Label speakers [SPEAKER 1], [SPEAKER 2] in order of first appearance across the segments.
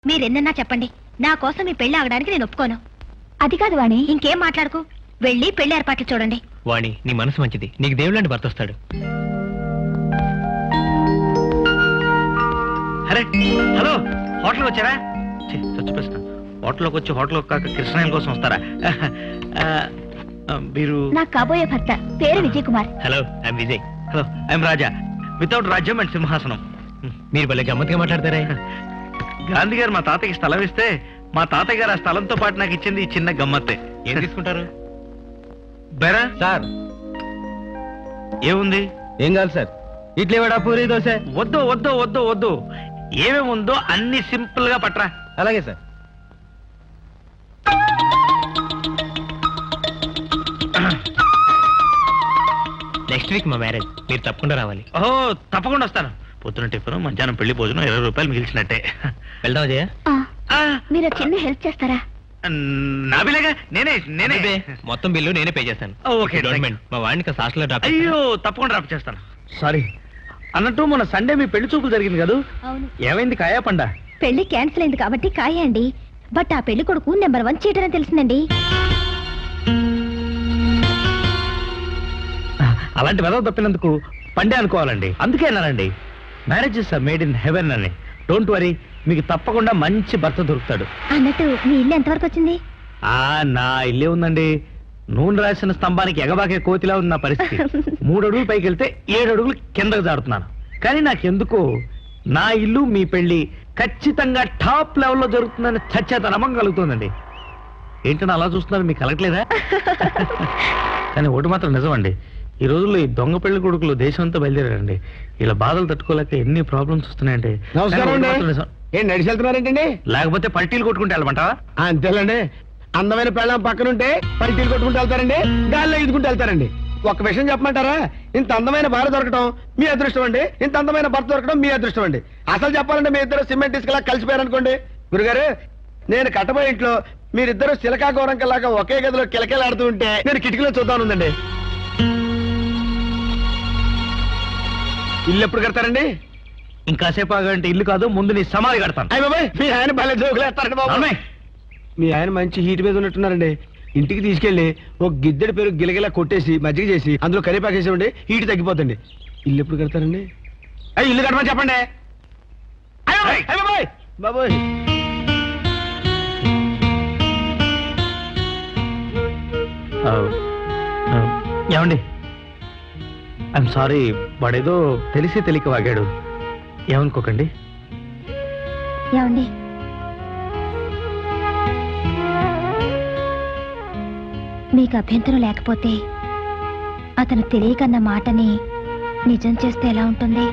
[SPEAKER 1] మీరెన్నన్నా చెప్పండి, నా కోసం మీ పెళ్లి ఆగడానికి నేను ఒప్పుకోను. అది కాదు వాణి, ఇంకేం మాట్లాడుకు, వెళ్ళి పెళ్లి ఏర్పాట్లు చూడండి.
[SPEAKER 2] వాణి, నీ మనసు మంచిది, నీకు దేవుళ్ళంటి భర్త వస్తాడు.
[SPEAKER 3] అరే హలో, హోటల్కి వచ్చారా? చచ్చిపోయిన హోటల్లోకి వచ్చి హోటల్ కాక కృష్ణాయన కోసం వస్తారా? మీరు
[SPEAKER 1] నా కాబోయే భర్త పేరు Vijay Kumar.
[SPEAKER 2] Hello, I'm Vijay.
[SPEAKER 3] Hello, I'm Raja. Without రాజ్యం అండ్ సింహాసనం.
[SPEAKER 2] మీరు భలే గమ్మత్తుగా మాట్లాడతారే.
[SPEAKER 3] గాంధీ గారు మా తాతయ్యకి స్థలం ఇస్తే మా తాతయ్య గారు ఆ స్థలంతో పాటు నాకు ఇచ్చింది ఈ చిన్న గమ్మత్తే.
[SPEAKER 2] ఏం తీసుకుంటారు?
[SPEAKER 3] బెరా
[SPEAKER 2] సార్
[SPEAKER 3] ఏముంది?
[SPEAKER 2] ఏం కాదు సార్, ఇడ్లీ వడ పూరి దోశ.
[SPEAKER 3] వద్దు వద్దు వద్దు వద్దు, ఏమేమి ఉందో అన్ని సింపుల్ గా పట్రా.
[SPEAKER 2] అలాగే సార్. నెక్స్ట్ వీక్ మా మ్యారేజ్, మీరు తప్పకుండా రావాలి.
[SPEAKER 3] ఓహో, తప్పకుండా వస్తాను. పొద్దున టిఫిన్, మధ్యాహ్నం పెళ్లి భోజనం, 20 రూపాయలు మిగిల్చినట్టే.
[SPEAKER 2] వెళ్దాం జయ.
[SPEAKER 1] మీరు చిన్న హెల్ప్ చేస్తారా?
[SPEAKER 3] నాబిలేగా, నేనే నేనే
[SPEAKER 2] మొత్తం బిల్లు నేనే పే చేస్తాను.
[SPEAKER 3] ఓకే,
[SPEAKER 2] మా వాడిని హాస్టల్లో డ్రాప్.
[SPEAKER 3] అయ్యో, తప్పకుండా డ్రాప్ చేస్తాను. సారీ అన్నట్టు, మొన్న సండే మీ పెళ్లి చూపులు జరిగింది కదా,
[SPEAKER 1] అవును.
[SPEAKER 3] ఏమైంది? కాయా పండా?
[SPEAKER 1] పెళ్లి క్యాన్సిల్ అయింది కాబట్టి కాయండి, బట్ ఆ పెళ్లి కొడుకు నెంబర్ 1 చీటర్ అని తెలిసిందండి.
[SPEAKER 3] అలాంటి వెదవ తప్పినందుకు పండే అనుకోవాలండి. అందుకే అన్నానండి, marriages are made in heaven అని. డోంట్ వరీ, మీకు తప్పకుండా మంచి భర్త దొరుకుతాడు.
[SPEAKER 1] అన్నట్టు మీ ఇల్లు ఎంతవరకు వచ్చింది?
[SPEAKER 3] నా ఇల్లే ఉందండి. నూనె రాసిన స్తంభానికి ఎగబాకే కోతిలా ఉంది నా పరిస్థితి. 3 అడుగులు పైకి వెళ్తే 7 అడుగులు కిందకు జారుతున్నాను. కానీ నాకెందుకో నా ఇల్లు మీ పెళ్లి ఖచ్చితంగా టాప్ లెవెల్లో జరుగుతుందని చచ్చేత నమ్మకం కలుగుతుందండి. ఏంటన్నా అలా చూస్తున్నారు, మీకు కలగట్లేదా? కానీ ఒకటి మాత్రం నిజమండి, ఈ రోజుల్లో ఈ దొంగ పెళ్లి కొడుకులు దేశం అంతా బయలుదేరారండి. ఇలా బాధలు తట్టుకోలేక ఎన్ని ప్రాబ్లమ్స్ వస్తున్నాయండి.
[SPEAKER 4] ఏం నడిచి వెళ్తున్నారేంటండి?
[SPEAKER 3] లేకపోతే పల్టీలు కొట్టుకుంటే వెళ్ళమంటావా?
[SPEAKER 4] అంతేలండి, అందమైన పెళ్ళం పక్కనుంటే పల్టీలు కొట్టుకుంటూ వెళ్తారండి, గాల్లో ఈదుకుంటూ వెళ్తారండి. ఒక్క విషయం చెప్పమంటారా? ఇంత అందమైన భార్య దొరకడం మీ అదృష్టం అండి, ఇంత అందమైన భర్త దొరకడం మీ అదృష్టం అండి. అసలు చెప్పాలంటే మీ ఇద్దరు సిమెంట్ ఇసుకలా కలిసిపోయారనుకోండి. గురుగారు, నేను కట్టబోయే ఇంట్లో మీరిద్దరు సిలకా గోరంకలాగా ఒకే గదిలో కిలకిలాడుతూ ఉంటే నేను కిటికీలో చూద్దానుందండి. ఇల్లు ఎప్పుడు కడతారండి?
[SPEAKER 3] ఇంకాసేపు ఆగంటే ఇల్లు కాదు, ముందు నీ సమాధి కడతాను.
[SPEAKER 4] అయ్య బాబాయ్, మీ ఆయన భలే జోకులేస్తారండి బాబు. మీ ఆయన మంచి హీట్ మీద ఉన్నట్టున్నారండి. ఇంటికి తీసుకెళ్లి ఒక గిద్దెడి పేరు గిలగిలా కొట్టేసి మజ్జిగ చేసి అందులో కరివేపాకేసేవండి, హీట్ తగ్గిపోతుంది. ఇల్లు ఎప్పుడు కడతారండి? అయ్యి ఇల్లు కట్టమని చెప్పండి. బాబాయ్ బాబాయ్,
[SPEAKER 3] ఏమండి, ఐఎమ్ సారీ, వాడేదో తెలిసి తెలియక వాగాడు, ఏమనుకోకండి.
[SPEAKER 1] ఏమండి, మీకు అభ్యంతరం లేకపోతే అతను తెలియకన్న మాటని నిజం చేస్తే ఎలా ఉంటుంది?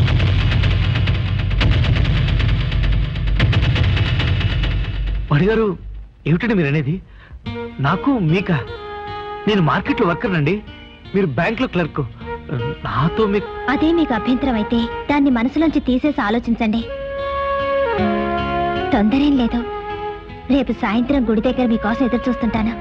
[SPEAKER 3] వాడిగారు, ఏమిటండి మీరు అనేది? నాకు మీకా? నేను మార్కెట్లో వర్కర్ అండి, మీరు బ్యాంక్ లో క్లర్క్. నాతో మీకు
[SPEAKER 1] అదే మీకు అభ్యంతరం అయితే దాన్ని మనసులోంచి తీసేసి ఆలోచించండి. తొందరేం లేదు, రేపు సాయంత్రం గుడి దగ్గర మీకోసం ఎదురు చూస్తుంటాను.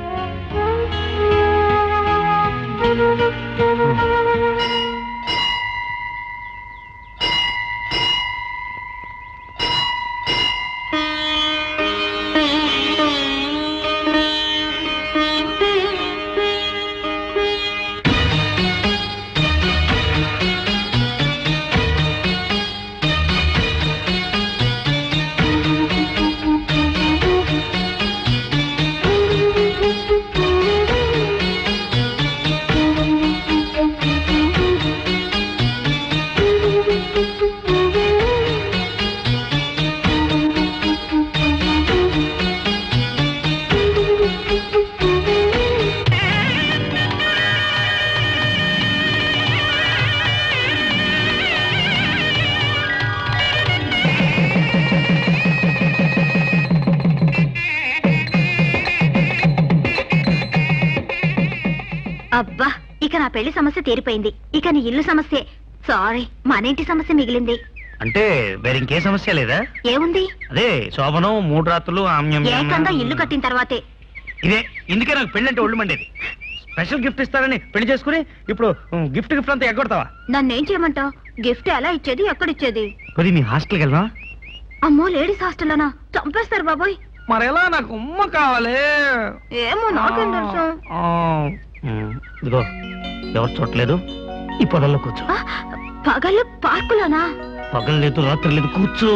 [SPEAKER 1] అబ్బా, ఇక నా పెళ్లి సమస్య తీరిపోయింది. ఇక నీ ఇల్లు సమస్య, సారీ, మన ఇంటి సమస్య మిగిలింది.
[SPEAKER 3] అంటే వేరే ఇంకే సమస్య లేదా?
[SPEAKER 1] ఏముంది?
[SPEAKER 3] అదే శోభనం, 3 రాత్రులు,
[SPEAKER 1] ఏకంగా ఇల్లు కట్టిన తర్వాతే.
[SPEAKER 3] ఇదే, ఇందుకే నాకు పెళ్లి అంటే ఒళ్ళు మండేది. స్పెషల్ గిఫ్ట్ ఇస్తారని పెళ్లి చేసుకుని ఇప్పుడు గిఫ్ట్ అంతా ఎగ్గొడతావా?
[SPEAKER 1] నన్నేం చేయమంటావు? గిఫ్ట్ ఎలా ఇచ్చేది, ఎక్కడిచ్చేది?
[SPEAKER 3] కొద్ది మీ హాస్టల్కి వెళ్దాం.
[SPEAKER 1] అమ్మో లేడీస్ హాస్టల్లోనా? చంపేస్తారు బాబోయ్.
[SPEAKER 3] మరెలా? నాకు ఉమ్మ కావాలి.
[SPEAKER 1] ఏమో నాకేం తెలుసు.
[SPEAKER 3] ఇదిగో ఎవరు చూడలేదు, ఈ పొలంలో కూర్చో.
[SPEAKER 1] పగలు పార్కులోనా?
[SPEAKER 3] పగలు లేదు, రాత్రి లేదు, కూర్చో.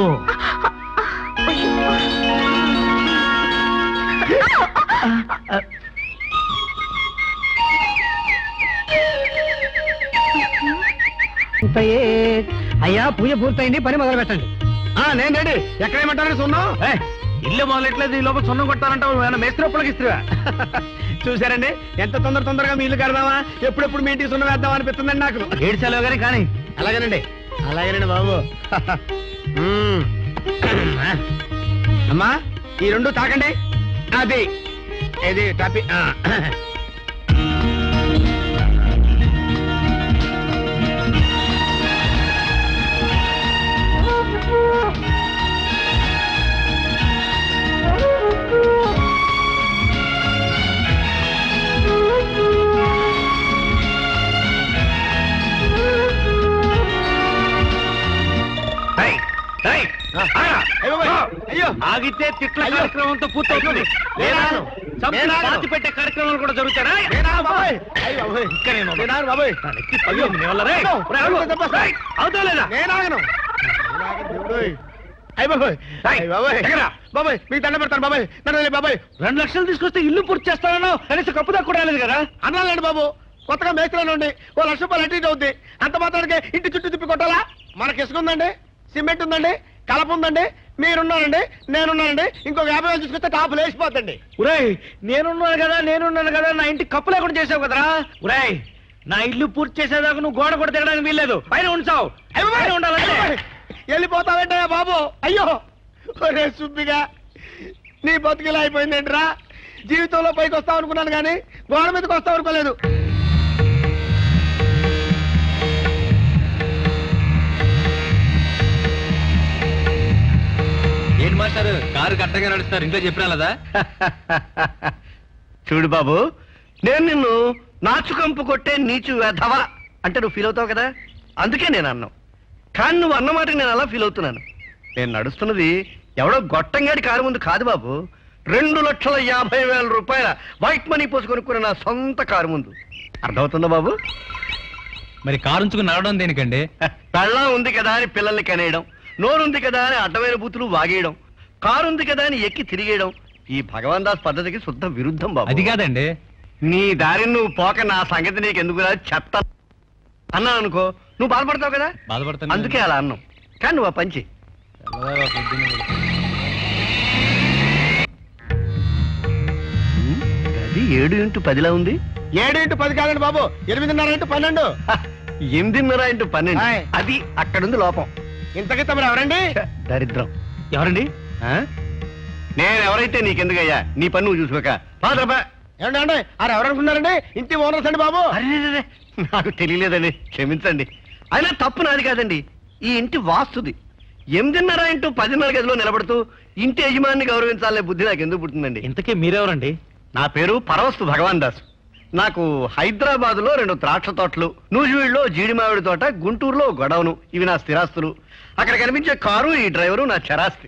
[SPEAKER 2] అయ్యా పూజ పూర్తయింది, పని మొదలు పెట్టండి.
[SPEAKER 4] నేను రెడీ. ఎక్కడేమంటారని సున్నం?
[SPEAKER 3] ఇల్లు మొదలెట్లేదు, ఈ లోపల సున్నం కొట్టాలంటావు. మేస్త్రి ఒప్పలకి ఇస్తున్నా.
[SPEAKER 4] చూసారండి ఎంత తొందరగా మీ ఇల్లు కడదామా, ఎప్పుడెప్పుడు మీ ఇంటికి సున్నం వేద్దామా అనిపిస్తుందండి నాకు.
[SPEAKER 3] ఏడ్చాలో గానీ కానీ.
[SPEAKER 4] అలాగేనండి బాబు. అమ్మా ఈ రెండు తాకండి. అది ఇది టాపి. అయ్యో
[SPEAKER 3] ఆగితే తిట్ల కార్యక్రమంతో పూర్తవుతుంది. పాతి పెట్టే కార్యక్రమాలు కూడా జరుగుతారా? అవుతా లేదా?
[SPEAKER 4] బాబాయ్ మీకు దండ పెడతాను బాబాయ్. బాబాయ్
[SPEAKER 3] 2 లక్షలు తీసుకొస్తే ఇల్లు పూర్తి చేస్తానో కనీసం కప్పు దాకా కూడా రాలేదు కదా.
[SPEAKER 4] అన్నాలండి బాబు, కొత్తగా మేస్త్రిలో ఉండి ఓ 1,00,000 రూపాయలు అటు ఇటు అవుద్ది. అంత మాత్రానికి ఇంటి చుట్టూ తిప్పి కొట్టాలా? మనకి ఇసుక ఉందండి, సిమెంట్ ఉందండి, కలప ఉందండి, మీరున్నానండి, నేనున్నానండి. ఇంకొక 50,000 తీసుకొస్తే టాపు లేచిపోతండి.
[SPEAKER 3] ఉరేయ్ నేనున్నాను కదా నా ఇంటికి కప్పు లేకుండా చేసావు కదరా. ఉరేయ్ నా ఇల్లు పూర్తి చేసేదాకా నువ్వు గోడ కూడా దిగడానికి వీల్లేదు, పైన ఉంచావు. ఉండాలంటే
[SPEAKER 4] వెళ్ళిపోతావేంటయ్యా బాబు? అయ్యో ఒరే సుబ్బిగా, నీ బతుకిలా అయిపోయిందేంట్రా? జీవితంలో పైకి వస్తావు అనుకున్నాను కానీ గోడ మీదకి వస్తావు అనుకోలేదు.
[SPEAKER 2] ఏంటి మాస్టారు కారు కట్టగా నడుస్తారు, ఇంట్లో చెప్పినా కదా?
[SPEAKER 3] చూడు బాబు, నేను నిన్ను నాచుకంపు కొట్టే నీచు వెధవా అంటే నువ్వు ఫీల్ అవుతావు కదా, అందుకే నేను అన్నావు. కానీ నువ్వు అన్నమాట నేను అలా ఫీల్ అవుతున్నాను. నేను నడుస్తున్నది ఎవడో గొట్టంగాడి కారు ముందు కాదు బాబు, 2,50,000 రూపాయల వైట్ మనీ పోసి కొనుక్కున్న నా సొంత కారు ముందు. అర్థమవుతుందా బాబు?
[SPEAKER 2] మరి కారు ఉంచుకుని నడవడం దేనికండి?
[SPEAKER 3] పెళ్ళం ఉంది కదా అని పిల్లల్ని కనేయడం, నోరుంది కదా అని అడ్డమైన బూతులు వాగేయడం, కారు ఉంది కదా అని ఎక్కి తిరిగేయడం ఈ భగవాన్ దాస్ పద్ధతికి శుద్ధ విరుద్ధం బాబు.
[SPEAKER 2] అది కాదండి.
[SPEAKER 3] నీ దారిని నువ్వు పోక నా సంగతి నీకు ఎందుకు చెత్త అన్నాను అనుకో, నువ్వు బాధపడతావు కదా,
[SPEAKER 2] బాధపడతాను.
[SPEAKER 3] అందుకే అలా అన్నావు. కానీ నువ్వు ఆ పంచి అది 7x10 ఉంది.
[SPEAKER 4] 7x10 కాదండి బాబు, 8:30x12.
[SPEAKER 3] 8:30x12 అది అక్కడుంది లోపం.
[SPEAKER 4] ఇంతకీ తమరు ఎవరండి?
[SPEAKER 3] దరిద్రం. ఎవరండి? నేను ఎవరైతే నీకెందుకయ్యా, నీ పని నువ్వు చూసుకోక.
[SPEAKER 4] ఏమండి ఎవరనుకున్నారండి? ఇంటి ఓనర్స్ అండి బాబు.
[SPEAKER 3] అరే నాకు తెలియలేదండి, క్షమించండి. అయినా తప్పు నాది కాదండి, ఈ ఇంటి వాస్తుది. 8:30x10 గదిలో నిలబడుతూ ఇంటి యజమాని గౌరవించాలనే బుద్ధి నాకు ఎందుకు పుట్టిందండి?
[SPEAKER 2] ఇంతకీ మీరెవరండి?
[SPEAKER 3] నా పేరు పరవస్తు భగవాన్ దాస్. నాకు హైదరాబాద్ లో 2 ద్రాక్ష తోటలు, నూజివీడులో జీడి మామిడి తోట, గుంటూరులో గొడవను, ఇవి నా స్థిరాస్తులు. అక్కడ కనిపించే కారు ఈ డ్రైవరు నా చరాస్తి.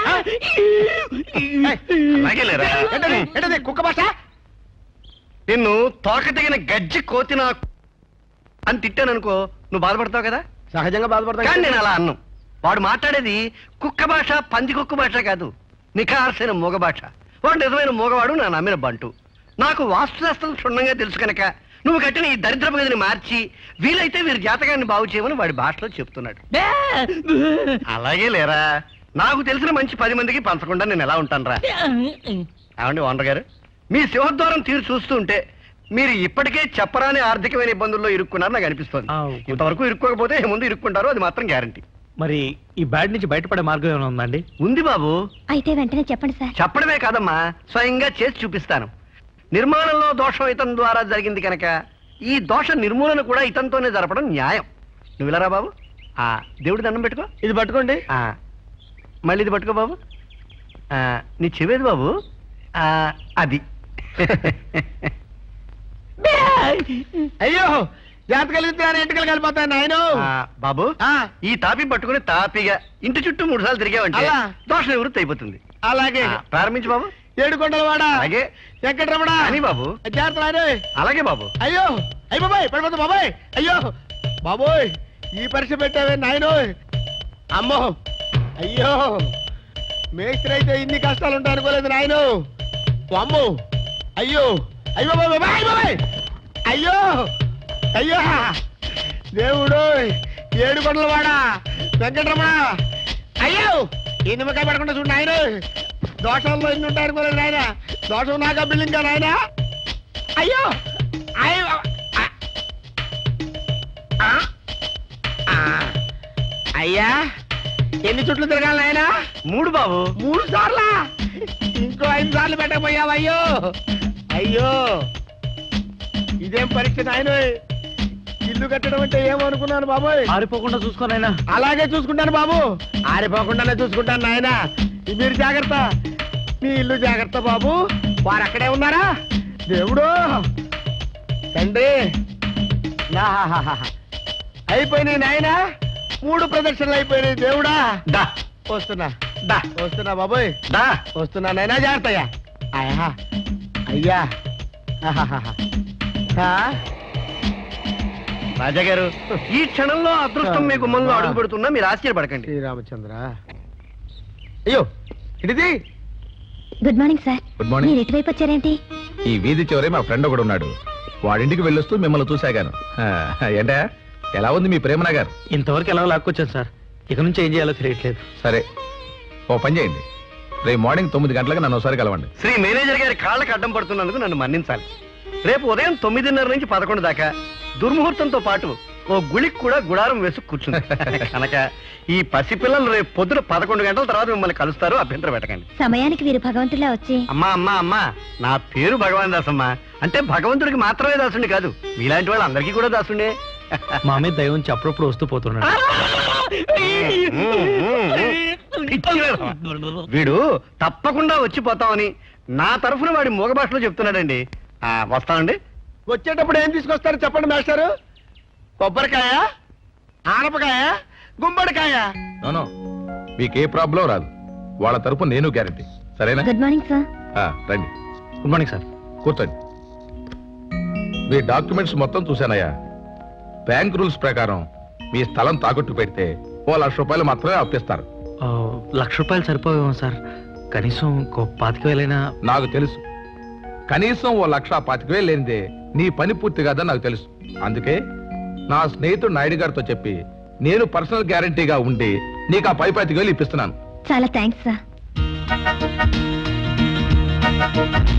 [SPEAKER 3] అలాగే లేరా?
[SPEAKER 4] ఏంటది కుక్క భాష?
[SPEAKER 3] నిన్ను తోక తెగిన గజ్జి కోతి నా అని తిట్టాననుకో, నువ్వు బాధపడతావు కదా.
[SPEAKER 4] సహజంగా బాధపడతా.
[SPEAKER 3] కానీ నేను అలా అన్నాను. వాడు మాట్లాడేది కుక్క భాష, పంది కుక్క భాష కాదు, నిఖార్సైన మూగ భాష. వాడు నిజమైన మూగవాడు, నా నమ్మిన బంటు. నాకు వాస్తుశాస్త్రం క్షుణ్ణంగా తెలుసు కనుక నువ్వు కట్టిన ఈ దరిద్రపు గదిని మార్చి వీలైతే వీరి జాతకాన్ని బాగు చేయమని వాడి భాషలో చెప్తున్నాడు. అలాగే లేరా, నాకు తెలిసిన మంచి 10 మందికి పంచకుండా నేను ఎలా ఉంటాను రా. ఏమండి ఓనర్ గారు, మీ సింహద్వారం తీరు చూస్తుంటే మీరు ఇప్పటికే చెప్పరాని ఆర్థికమైన ఇబ్బందుల్లో ఇరుక్కున్నారు నాకు అనిపిస్తుంది. ఇంతవరకు ఇరుక్కోకపోతే ముందు ఇరుక్కుంటారు, అది మాత్రం గ్యారంటీ.
[SPEAKER 2] మరి ఈ బ్యాడ్ నుంచి బయటపడే మార్గం ఏమైనా ఉందండి?
[SPEAKER 3] ఉంది బాబు.
[SPEAKER 1] అయితే వెంటనే చెప్పండి సార్.
[SPEAKER 3] చెప్పడమే కాదమ్మా, స్వయంగా చేసి చూపిస్తాను. నిర్మాణంలో దోషం ఇతని ద్వారా జరిగింది కనుక ఈ దోష నిర్మూలన కూడా ఇతనితోనే జరపడం న్యాయం. నువ్వు ఇలా రా బాబు, ఆ దేవుడి దండం పెట్టుకో.
[SPEAKER 4] ఇది పట్టుకోండి.
[SPEAKER 3] మళ్ళీ ఇది పట్టుకో బాబు. నీ చెవేది బాబు, అది.
[SPEAKER 4] అయ్యో జాగ్రత్త కలిగితే ఎంటకలు కలిపోతాను నాయన
[SPEAKER 5] బాబు ఈ తాపి పట్టుకుని తాపిగా ఇంటి చుట్టూ 3 సార్లు తిరిగావంటే
[SPEAKER 4] అలా.
[SPEAKER 5] దోష నివృత్తి అయిపోతుంది
[SPEAKER 4] అలాగే
[SPEAKER 5] ప్రారంభించు బాబు.
[SPEAKER 4] ఏడుకొండలవాడ
[SPEAKER 5] అలాగే.
[SPEAKER 4] వెంకటరమణ
[SPEAKER 5] అని బాబు.
[SPEAKER 4] జాగ్రత్త నాయన.
[SPEAKER 5] అలాగే బాబు.
[SPEAKER 4] అయ్యో అయ్య బాబాయ్ పడిపోతా బాబాయ్. అయ్యో బాబోయ్ ఈ పరీక్ష పెట్టావే నాయనో. అమ్మో అయ్యో మేస్త్రి అయితే ఇన్ని కష్టాలు ఉంటాయి అనుకోలేదు నాయను. అమ్మో అయ్యో అయ్యో బాబాయ్ బాబాయ్ అయ్యో అయ్యో దేవుడు ఏడుకొండలవాడ వెంకటరమణ. అయ్యో ఈ నిమ్మకాయ పడకుండా చూడు నాయన. దోషాల్లో ఇన్ని ఉంటాయి అనుకోలేదు నాయన. దోషం నాకా బిల్డింగ్ నాయన. అయ్యో అయ్యో అయ్యా ఎన్ని చుట్లు తిరగాలి నాయన?
[SPEAKER 5] 3 బాబు.
[SPEAKER 4] 3 సార్లా? ఇంకో 5 సార్లు పెట్టకపోయావయ్యో. అయ్యో ఇదేం పరీక్ష నాయన. ఇల్లు కట్టడం అంటే ఏమనుకున్నాను బాబోయ్.
[SPEAKER 3] ఆరిపోకుండా చూసుకోనైనా.
[SPEAKER 4] అలాగే చూసుకుంటాను బాబు. ఆరిపోకుండానే చూసుకుంటాను నాయన. మీరు జాగ్రత్త. మీ ఇల్లు జాగ్రత్త బాబు. వారు అక్కడే ఉన్నారా? దేవుడు తండ్రి అయిపోయినాయి నాయన. 3 ప్రదక్షిణలు అయిపోయినాయి దేవుడా.
[SPEAKER 5] దా
[SPEAKER 4] వస్తున్నా
[SPEAKER 5] దా
[SPEAKER 4] వస్తున్నా బాబోయ్.
[SPEAKER 5] దా.
[SPEAKER 4] వస్తున్నా నాయనా జాగ్రత్తయ్యా. అయ్యా అయ్యా
[SPEAKER 5] రాజా గారు ఈ క్షణంలో అదృష్టం మీ గుమ్మంలో అడుగు పెడుతున్నా మీరు ఆశ్చర్యపడకండి.
[SPEAKER 4] శ్రీరామచంద్ర. అయ్యో ఇడిది.
[SPEAKER 1] Good morning sir.
[SPEAKER 6] Good morning.
[SPEAKER 1] మీరు ఎటువైపు వచ్చారేంటి?
[SPEAKER 6] ఈ వీధి చివరే మా ఫ్రెండ్ ఒకడు ఉన్నాడు. వాడింటికి వెళ్ళొస్తూ మిమ్మల్ని చూశాగాను. ఏంటా ఎలా ఉంది మీ ప్రేమనా గారు?
[SPEAKER 3] ఇంతవరకు ఎలా లాక్కొచ్చాను సార్. ఇక నుంచి ఏం చేయాలో తెలియట్లేదు.
[SPEAKER 6] సరే ఓ పని చేయండి, రేపు మార్నింగ్ 9 గంటలకు నన్ను ఒకసారి కలవండి.
[SPEAKER 5] శ్రీ మేనేజర్ గారి కాళ్ళకి అడ్డం పడుతున్నందుకు నన్ను మన్నించాలి. రేపు ఉదయం 9:30 నుంచి 11 దాకా దుర్ముహూర్తంతో పాటు ఓ గుళికి కూడా గుడారం వేసి కూర్చుంది కనుక ఈ పసిపిల్లలు రేపు పొద్దున 11 గంటల తర్వాత మిమ్మల్ని కలుస్తారు. అభ్యంతరం పెట్టకండి.
[SPEAKER 1] సమయానికి వీరు భగవంతులా వచ్చి
[SPEAKER 5] అమ్మా అమ్మా అమ్మా నా పేరు భగవాన్ దాసమ్మా. అంటే భగవంతుడికి మాత్రమే దాసుండి కాదు, మీలాంటి వాళ్ళు అందరికీ కూడా దాసుండే.
[SPEAKER 3] మా మీద దయ ఉంచి అప్పుడప్పుడు వస్తూ పోతున్నాడు.
[SPEAKER 5] వీడు తప్పకుండా వచ్చిపోతామని నా తరఫున వాడి మూగ భాషలో చెప్తున్నాడండి. వస్తామండి.
[SPEAKER 4] వచ్చేటప్పుడు ఏం తీసుకొస్తారు చెప్పండి మాస్టారు. కొబ్బరికాయ, ఆనపకాయ, గుమ్మడికాయ.
[SPEAKER 6] నో మీకు ఏ ప్రాబ్లం రాదు. వాళ్ళ తరపు నేను గ్యారంటీ. సరేనా?
[SPEAKER 1] Good morning sir.
[SPEAKER 6] రండి.
[SPEAKER 3] Good morning sir.
[SPEAKER 6] కూర్చోండి. మీ డాక్యుమెంట్స్ మొత్తం చూశానయ్యా. బ్యాంక్ రూల్స్ ప్రకారం మీ స్థలం తాకట్టు పెడితే ఓ 1,00,000 రూపాయలు మాత్రమే అప్పిస్తారు.
[SPEAKER 3] 1,00,000 రూపాయలు సరిపోవేమో సార్. కనీసం 25,000
[SPEAKER 6] నాకు తెలుసు. కనీసం ఓ 1,25,000 లేనిదే నీ పని పూర్తి కాదని నాకు తెలుసు. అందుకే నా స్నేహితుడు నాయుడు గారితో చెప్పి నేను పర్సనల్ గ్యారంటీగా ఉండి నీకు ఆ 25,000 ఇప్పిస్తున్నాను.
[SPEAKER 1] చాలా థ్యాంక్స్ సార్.